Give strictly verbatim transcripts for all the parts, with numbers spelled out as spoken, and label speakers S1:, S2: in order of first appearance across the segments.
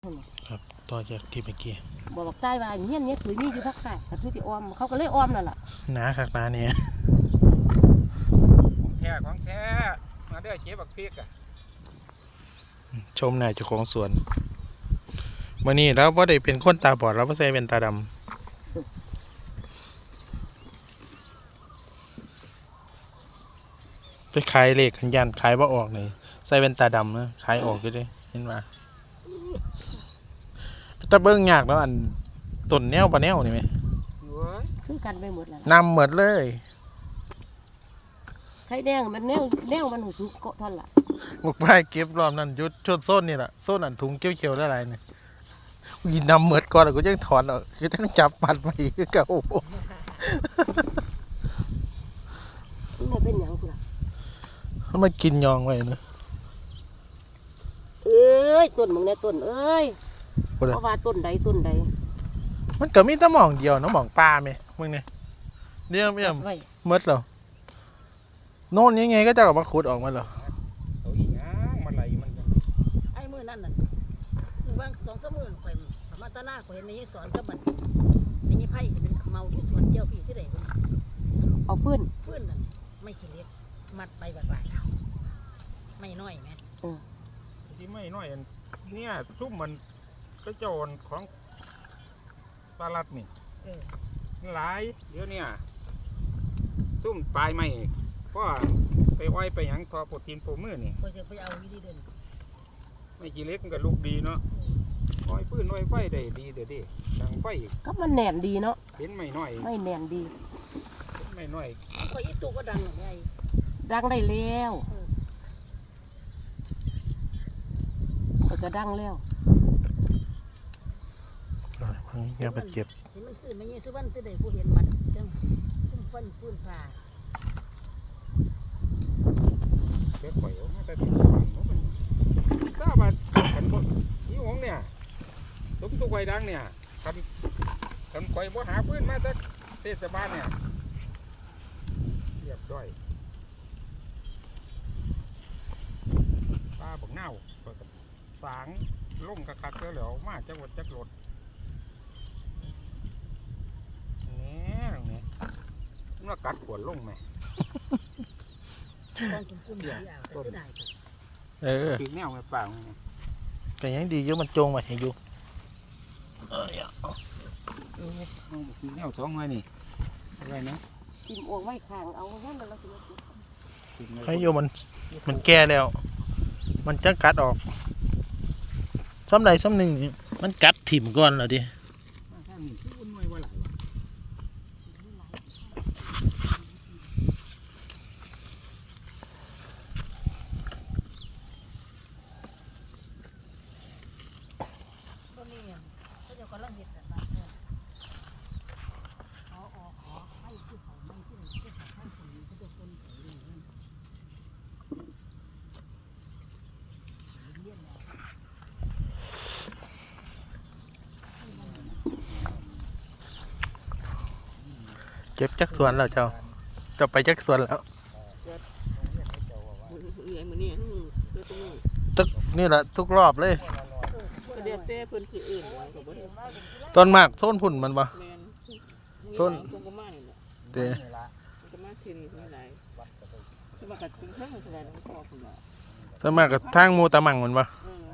S1: ครับต่อจากที่เมื่อกี้
S2: บอกบอกใต้ว่าเงี้ยเนี้ยถุยมีอยู่พักค่ะแต่ถุยที่อ้อมเขาก็เลยอ้อมนั่นแหละ
S1: หนาคักหนาเนี่ย
S3: ของแท้ของแท้มาเด้อเจ๊บักพริกอ่ะ
S1: ชมนายเจ้าของสวนวันนี้เราไม่ได้เป็นคนตาบอดเราไม่ใช่เป็นตาดำไปขายเลขขันยันขายว่าออกเลยใส่เป็นตาดำนะขายออกอยู่ด้วยเห็นไหมแต่เบิ้งยากแล้วอันต้นแนวปะแนวนี่ไหม
S2: คือกันไปหมดแล้ว
S1: นำหมดเลย
S2: ไข่แดงมันแนวแนวมันหูสุกเกาะท่อนละ
S1: บุกไปเก็บรอบนั้นยุดชดโซนนี่แหละโซนอันถุงเขียวๆได้ไรเนี่ยยินนำหมดก่อนแล้วก็ยังถอนออกคือต้องจับปัดไปคือเก่า
S2: มันเป็นอย่างกูล่ะ
S1: มันมากินยองไว้เนอะ
S2: เอ้ยต้นมึงเนี่ยต้นเอ้ยเพราะว่าต้นใดต้นใด
S1: มันก็มีแต่หม่องเดียวเนาะหม่องปลาไหมมึงเนี่ยเดี๋ยวไม่ยอมมดเหรอโน่นยังไงก็จะออกมาขุดออกมาเหรอ
S3: เอาอีกนะมันไหลมัน
S2: ไอ้มือนั่นน่ะบางสองสามมือข่อยสามารถตาหน้าข่อยเห็นในยี่สอนก็มันในยี่ไผ่เป็นเมาที่สวนเจียวพี่ที่ไหนเอาฟื้นฟื้นนั่นไม่ขี้เล็กมัดไปแบบไรไม่น้อยไหมเออ
S3: ที่ไม่น้อยเนี่ยซุ่มมันก็โจรของสลัดนี่หลายเดี๋ยวเนี่ยซุ่มปลายไม่เพราะไปอ้อยไปหยังทอโปรตีนโปรมือนี่
S2: ก็จะไปเอาวิธีเดิน
S3: ไม่กี่เล็กมันก็ลูกดีเนาะอ้อยพื้นอ้อยไฟได้ดีเดี๋ยวดิดังไฟ
S2: ก็มันแน่นดีเนาะ
S3: เห็นไม่น้อย
S2: ไม่แน่นดี
S3: ไม่น้อย
S2: ก็อีตัวก็ดังหรือไงดังได้แล้วก็ดังแล้ว
S1: เงี้ยมันเจ็บ
S2: เห็นมันซื้อไม่เงี้ยซื้อวันที่ใดผู้เห็นมันจังซุ่มฟันฟื้นปลา
S3: เด็กข่อยมาแต่ที่มันถ้าบัดขันบ่ยี่หงเนี่ยสมตัวไฟดังเนี่ยขันขันข่อยบ่หาพื้นมาจากเทศบาลเนี่ยเรียบร้อยปลาบักเน่าสางล่มกระคักแล้วเหลวมาจักรถจักรถเนี่ยตรงนี้มันว่ากัดขวดล่มไหม
S2: ต้องกินกุ้งเดียวแต่เสียดาย
S1: เออ
S3: คือแนวไงเปล่าไง
S1: แต่ยังดีอยู่มันจงไว้ให้อยู่
S3: เออคือแนวสองไงนี่อะไรนะ
S2: กินอ่วงไว้ข้างเอาแค่นั้นเรา
S1: กินให้อยู่มันมันแก่แล้วมันจะกัดออกซ้ำใดซ้ำหนึ่งมันกัดถิ่มก่อนเหรอดิเก็บจักสวนแล้วเจ้าจะไปจักสวนแล้วทุกนี่แหละทุกรอบเลยต้นมากโซนผุ่นมันปะโซนเตะสมัครกับทางมูตะมังมันปะ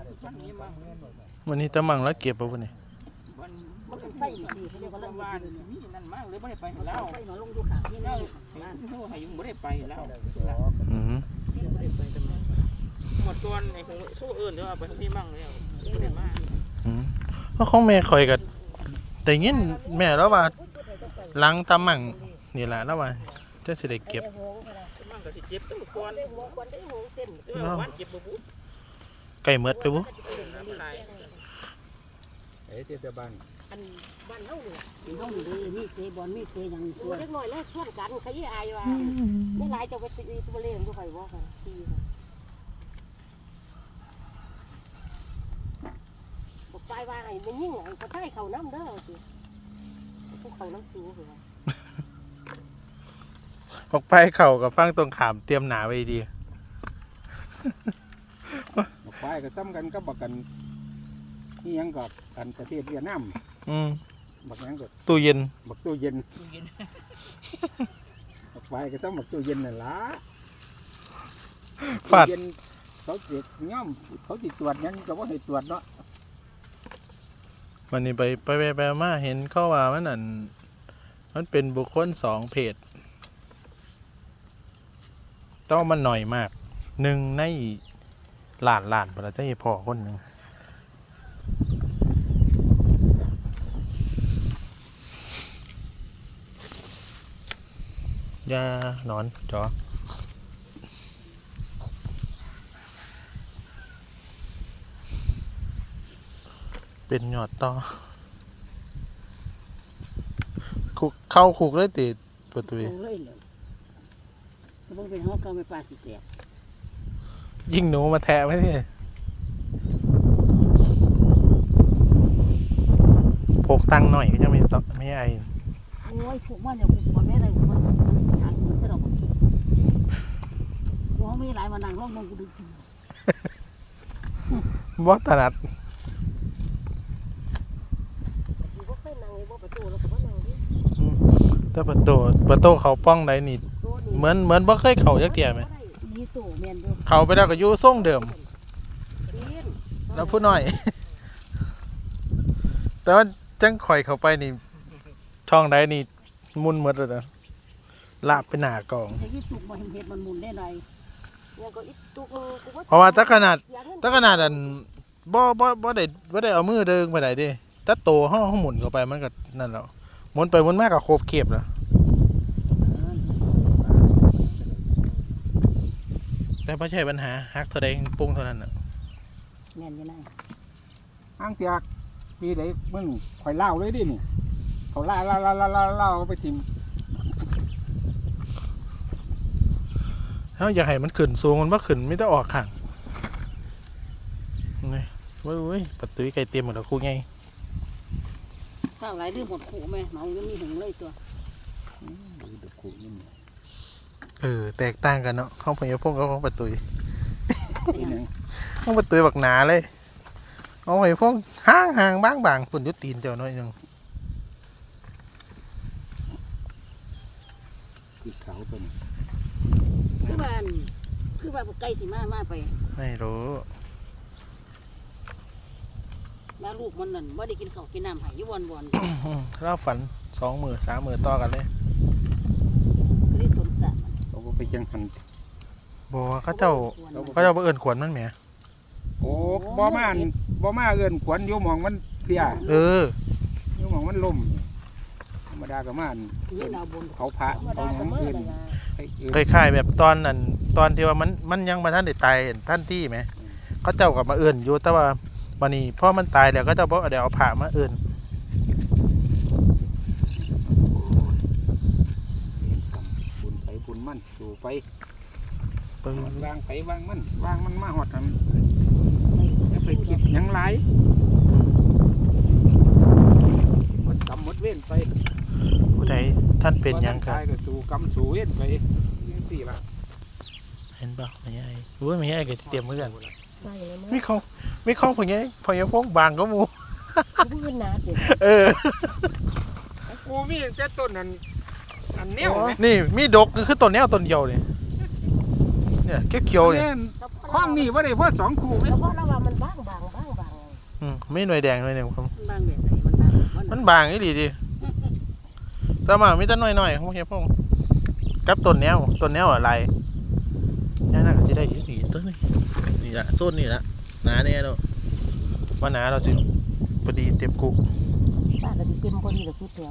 S1: วันนี้ตะมังแล้วเก็บปะวันนี้
S2: มันเป็นไฟดีเขาเรียกว่าเรื่องว่ามีนั่นมากเลยไม่ได้ไปแล้วไฟหนอลงดูขาที่นี่นั่นเขาให้ยุ่งไม่ได้ไปแล้ว
S1: อืม
S2: ไม่ได้ไปทำไมหมดตัวไอ้ของสู้อื่นเดี๋ยวเอาไปที่มั่งแล้วไม่ได้มาก
S1: อืมเพราะของแม่คอยกับแต่ยินแม่แล้วว่าล้างตะมังนี่แหละแล้วว่าจะสิได้เก็บไก่เมือดไปบุ
S3: เอ๊ะเจ้าบ้าน
S2: อันบ้านเฮาเนี่ยเฮาเลยมีเตะบอลมีเตะอย่างตัวเล็กน้อยแล้วชวนกันขยี้อายว่าไม่หลายจะไปตีตัวเล่นดูใครว่าค่ะตีบอกไปว่าไงมันยิ่งไงก็ได้เขาน้ำเด้อสิพวกเขาน้ำซูเหรอ
S1: ออกไปเข่ากับฟังตรงขามเตรียมหนาไว้ดี
S3: ออกไปก็ซ้ำกันก็บอกกันที่ยังกับอันประเทศเวียดนาม
S1: อืม
S3: บักยังกับ
S1: ตู้เย็น
S3: บักตู้เย็น
S2: ตู้เย็น
S3: บักไฟก็ต้องบักตู้เย็นนั่นล่ะ
S1: ฟาด
S3: ตู้เย็นเขาเจ็บย่อมเขาติดตรวจยังก็ว่าให้ตรวจเนาะ
S1: วันนี้ไปไปไปไปมาเห็นเขาว่ามันนั่นมันเป็นบุคคลสองเพศต้องมันหน่อยมากหนึ่งในหลานหลานพระเจ้าพ่อคนหนึ่งยาหนอนจอเป็นหยอดต่อคุกเข้าคุกเลยติดประตู
S2: เอาเลยเลยก็บ่เป็นห้องเก่าไม่ปลาสิเสีย
S1: ยิงหนูมาแทะไว้ที่พกตังค์หน่อยก็ยังไม่ต้องไม่ไอ
S2: โอ้ยพวกมันอย่าพวกบ่แม่ได้พวกมันทางมันจะเราบ่กินพวกมีหลายมานั่งร้องมองกูดู
S1: บ่ถนัด
S2: บ่เคยนั่งไอ้บ่ประตูแล้วก็บ่นั่งดิ
S1: แต่ประตูประตูเขาป้องได้นี่เหมือนเหมือนบ่เคยเข้าจักเที่ยไหม
S2: มีตู้แม่นอยู่
S1: เข้าไปแล้วก็อยู่ทรงเดิม
S2: กิน
S1: แล้วผู้น้อย แต่ว่าจังข่อยเข้าไปนี่ช่องใดนี่มุนหมดเลยนะลาบไปหน้ากอง
S2: แต่อีตุกบ่เห็นเฮ็ดมันหมุนได้ไดยังก็อีตุกกูบ่
S1: เพราะว่าถ้าขนาดถ้าขนาดอันบ่บ่บ่ได้บ่ได้เอามือเดิงไปไหนเดิถ้าโตเฮาเฮาหมุนเข้าไปมันก็นั่นแล้วหมุนไปหมุนมาก็โคบเข็บแล้วแต่บ่ใช่ปัญหาฮักเท่าใดปรุงเท่านั้นน่ะ
S2: แม่นอยู่นั่น
S3: อ้างเตียกปีไหนมึงข่อยเล่าเลยดินี่เขาเล่าเล่าเล่าเล่าเล่าเล่าไปทิม
S1: เฮาอยากให้มันขึ้นสูงมันบ่ขึ้นมีแต่ออกข้างนี่โอ้ยๆประตูไก่เต็มหมดแล้วครูไง
S2: ข้าวหลายลืมหมดขู่แม่เมายังมีหึงเลยตัว
S3: ดูตะคุนี่
S1: เออแตกต่างกันเนาะของพญาพงกับของประตู
S3: ที่หนึ่ง
S1: ของประตูบักหนาเลยเอาพญาพงห่างๆบางๆปุ่นอยุตีนเจ้าน้อยหนึง
S3: คือเขาเป็น
S2: คือว่าอันคือว่าไก่สิมามาไป
S1: ไม่รู้
S2: แล้วลูกมันนั่นบ่ได้กินข้าวกินน้ำให้อยู่วน
S1: เล่าฝันสองมือสามมือต่อกันเลย
S2: ๆคือต้นสะมัน
S3: เขาก็ไปจังหัน
S1: บอกว่าเขาเจ้าเขาเจ้าบ่เอิ้นขวัญมันแหม
S3: โอ้บ่มาอันบ่มาเอิ้นขวัญอยู่หมองมันเพลีย
S1: เออ
S3: อยู่หมองมันล่มธรรมดาก็มาอัน
S2: นี่ดาวบน
S3: เขาพระเขาหยังเอิ้นให้เอิ้น
S1: คล้ายๆแบบตอนนั้นตอนที่ว่ามันมันยังมาท่านได้ตายท่านที่ไหมเขาเจ้ากับมาเอิ้นอยู่แต่ว่าวันนี้พอมันตายแล้วก็เจ้าบ่เดี๋ยวเอาผ้ามาเอิ้น
S3: บุญไปบุญมันสู่ไป
S1: ปึ้ง
S3: วางไปวางมันวางมันมาหอดกันอย่าไปคิดหยังหลายหมดกรรมหมดเว้นไป
S1: ผู้ใดท่านเป็นหยังค
S3: ค
S1: รั
S3: รับ ก็สู่กรรมสู่เว้นไปยังสี่ละ
S1: เห็นป่ะไม่ใช่โอ้ยไม่ใช่ก็เตรียมเหมือนกัน
S2: มาอย่างนั้น
S1: มีของมีของพวกนี้พญาพงบางก็หมู
S2: ผู้เป็นนาติ
S1: เออ
S3: กูมีแต่ต้นนั้นอันเนี้ยไหม
S1: นี่มีดกคือต้นแนวต้นเดียวนี่เนี่ยเขียวๆเนี่ย
S3: ข้องนี่ว่าได้เพราะสองคู่ไหม
S2: แล้วก็ระวังมันบางบางบางบาง
S1: อืมไม่หน่วยแดงหน่วยหนึ่งครับ
S2: บางแบบไหนมันบาง
S1: มันบางนี่ดีดีแต่มามีแต่หน่อยๆของพญาพงกับต้นแนวต้นแนวอะไรนี่น่าจะได้อีกอีกต้นนึงนี่ละโซนนี่ละหนาแน่แล้วว่าหนาเราสิพอดีเต็มกุก
S2: ป้าก็สิเต็มพอดีกับสุดแถว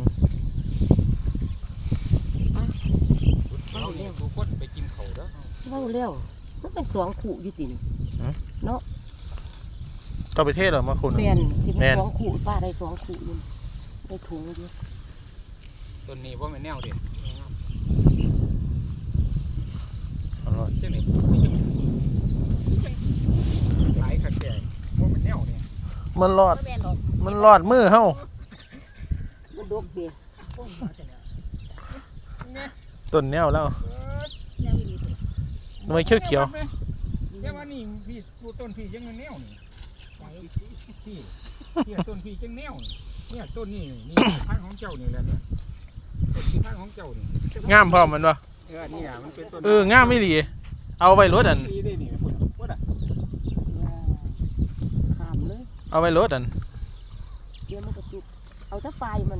S3: เราเนี่ยทุกคนไปกินเขาแล้ว
S2: เว้าเร็วมันเป็นสองขู่อยู่ติ
S1: ต่อไปเทศเหรอมาคุณ
S2: แม่นสิเป็นสองขู่ป้าได้สองขู่อยู่ได้ถุงอยู่
S3: ต้นนี้ว่ามันแนวเด็ด
S1: อร่อย
S3: เช่นนี้ไม่ยังหลายขัดแก่ว่ามันแนวเนี่ย
S1: มันรอด
S2: บ่แม่นดอก
S1: มันรอดมือเฮา
S2: มันดกเด้โอ้ยมาแต่แล้ว
S1: ต้นแนวแล้ว
S2: ยังมีดี
S1: หน่วยเขียวเขียว
S3: แต่ว่านี่พี่ดูต้นพี่ยังมันแนวนี่
S2: ๆ
S3: ที่เนี่ยต้นพี่จังแนวเนี่ยต้นนี่นี่ทางของเจ้านี่แหละเนี่ยต้นที่ทางของเจ้านี่
S1: งามพร้อมมันวะ
S3: เออเนี่ยมันเป็นต้น
S1: เอองามไม่ดีเอาไว้รถอัน
S3: ดีได้นี่พุ่นพุ่นอ่ะ
S2: ห้ามเลย
S1: เอาไว้รถอัน
S2: เดี๋ยวมันก็จุกเอาถ้าไฟมัน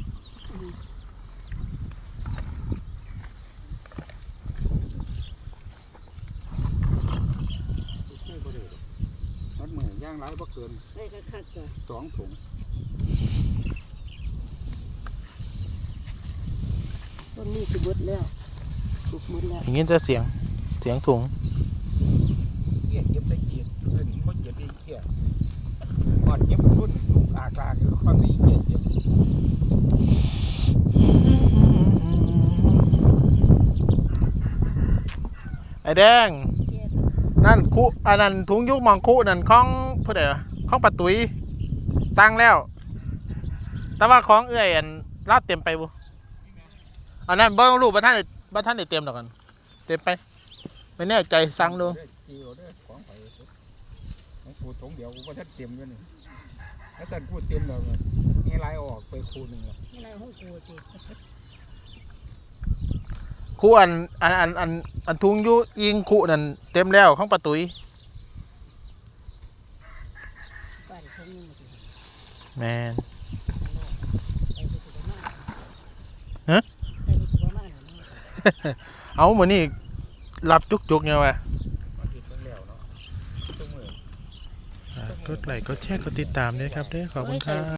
S3: ช่วยบ่ได้มัดมือย่างหลายบ่เกิน
S2: ได้คักๆจ้ะ
S3: สองถุง
S2: ต้นนี้สิเบิดแล้วสุกหมดแล้ว
S1: อย่างนี้จะเสียงเสียงถุง
S3: เกียดเก็บได้เกียดเพิ่นบ่เก็บได้เกียดหอดเก็บพุ่นลูกอากาคือความนี้เกียดเก็บ
S1: ไอ้แดงนั่นคุอันนั้นถุงยุกมองคุนั่นของผู้ใดวะของปะตุ้ยสั่งแล้ว แต่ว่าของเอื้อยอันลาดเต็มไปบุอันนั้นบ่รู้บ่ท่านได้บ่ท่านได้เต็มดอกกันเต็มไปไม่แน่ใจสั่งดู
S3: จีโอเด้อของไปของปูถุงเดียวกูบ่ทันเต็มอยู่นี่แล้วท่านพูดเต็มแล้วนี่หลายออกไปคูนึงแล้ว
S2: นี่ไรห้องกูสิ
S1: คุอันอันอันอันอันถุงยุอิงคุนั่นเต็มแล้วของปะตุ้ย
S2: บ้านเขามีหมดเลย
S1: แมน
S2: ไปไปสุกมาก
S1: ฮะ
S2: ไปไปสุกมากเลย
S1: เอาเหมือนนี่รับจุกๆเนี่ยวะ
S3: มาติดเบิ่งแล้วเนาะซุมื้อ
S1: กดไลค์กดแชร์กดติดตามด้วยครับเด้อขอบคุณครับ